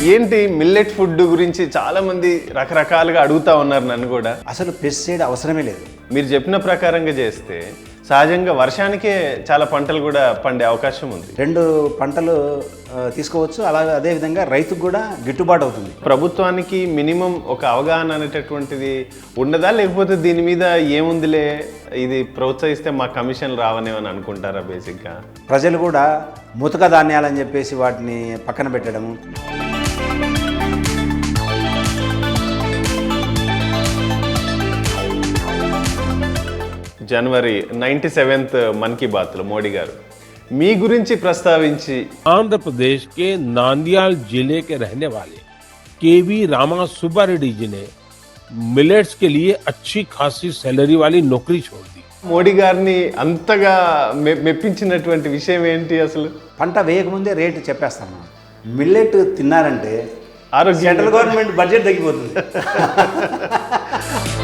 ఏంటి millet food గురించి చాలా మంది రకరకాలుగా అడుగుతా ఉన్నారు నన్ను కూడా. అసలు పెస్టిసైడ్ అవసరమే లేదు. మీరు చెప్పిన ప్రకారంగా చేస్తే సహజంగా వర్షానికే చాలా పంటలు కూడా పండే అవకాశం ఉంది. 2 పంటలు తీసుకోవచ్చు. అలాగే అదేవిధంగా రైతుకు కూడా గిట్టుబాటు అవుతుంది. ప్రభుత్వానికి మినిమం ఒక అవగాహన అనేటటువంటిది ఉండదా, లేకపోతే దీని మీద ఏముందిలే ఇది ప్రోత్సహిస్తే మా కమిషన్ రావనేమని అనుకుంటారా? బేసిక్గా ప్రజలు కూడా ముతక ధాన్యాలని చెప్పేసి వాటిని పక్కన పెట్టడము. జనవరి 97th मन की बात లో మోడీ గారు మీ గురించి ప్రస్తావించి आंध्र प्रदेश के नांदियाल जिले के रहने वाले केवी रामा सुब्बा रेड्डी जी ने मिलेट्स के लिए अच्छी खासी सैलरी वाली नौकरी छोड़ दी। మోడీ గారిని అంతగా మెప్పించినటువంటి విషయం ఏంటి అసలు? పంట వేయకముందే రేటు చెప్పేస్తాం. మిల్లెట్ తిన్నారంటే ఆరోగ్యం సెంట్రల్ గవర్నమెంట్ బడ్జెట్ తగ్గిపోతుంది.